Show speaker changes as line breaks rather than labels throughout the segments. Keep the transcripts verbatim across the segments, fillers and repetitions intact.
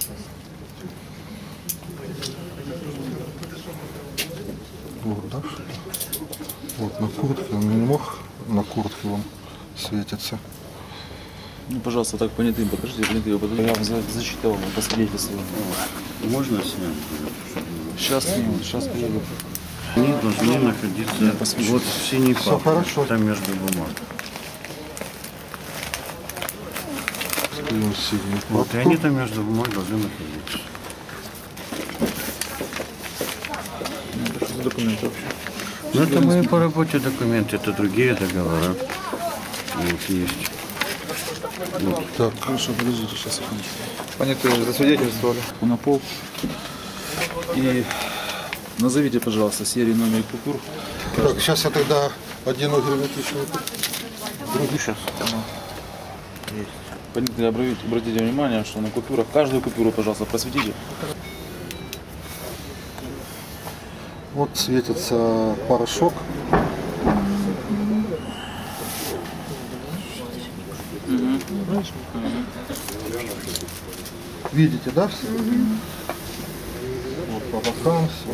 Вот, да? Вот на куртке, он не мог на куртке он светится.
Ну, пожалуйста, так понятым, покажите, понятым, его я вам зачитал, посвидетельствую.
Можно снять?
Сейчас сниму, сейчас приеду.
Они должны находиться вот в синей
Все
папке,
хорошо.
там между бумаг.
Скинем синюю
Вот, и
папку.
они там между бумаг должны находиться.
Это что за документы вообще?
Ну, это мои по работе документы, это другие договора. Вот есть.
Вот, так.
Хорошо, подождите, сейчас секундочку. Понятые засвидетельствовали. На пол. И назовите, пожалуйста, серию, номер купюр.
Так, сейчас я тогда одену герметичную. Другую сейчас.
Понятые, обратите, обратите внимание, что на купюрах, каждую купюру, пожалуйста, просветите.
Вот светится порошок. Видите, да, все? Вот по бокам все.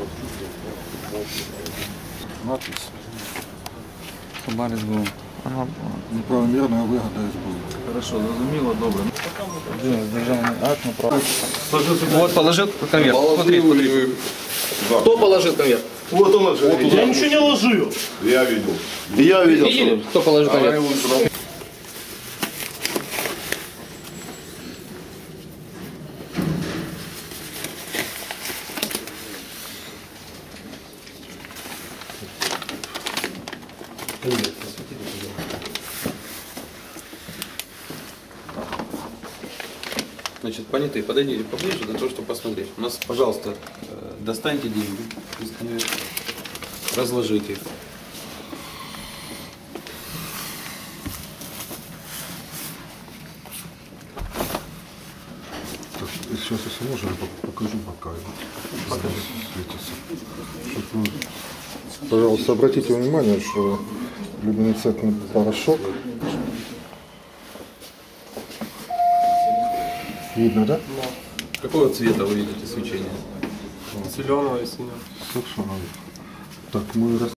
Надпись.
Собарис был. Ага.
Неправомерная выгода СБУ.
Хорошо, зрозуміло, добре. Державний акт на право.
Вот, положил конверт. Смотри, смотри. Кто положил конверт?
Вот он ложил. Я ничего не ложил. Я видел. Я видел.
Видели, кто положил конверт? Значит, понятые, подойдите поближе для того, чтобы посмотреть. У нас, пожалуйста, достаньте деньги из конверта, разложите их.
Так, сейчас, если можно, я покажу пока. Светится. Чтобы вы, пожалуйста, обратите внимание, что люминесцентный порошок. Видно, да?
Какого цвета вы видите свечение?
Зеленого и синего.
Совершенно. Так, мы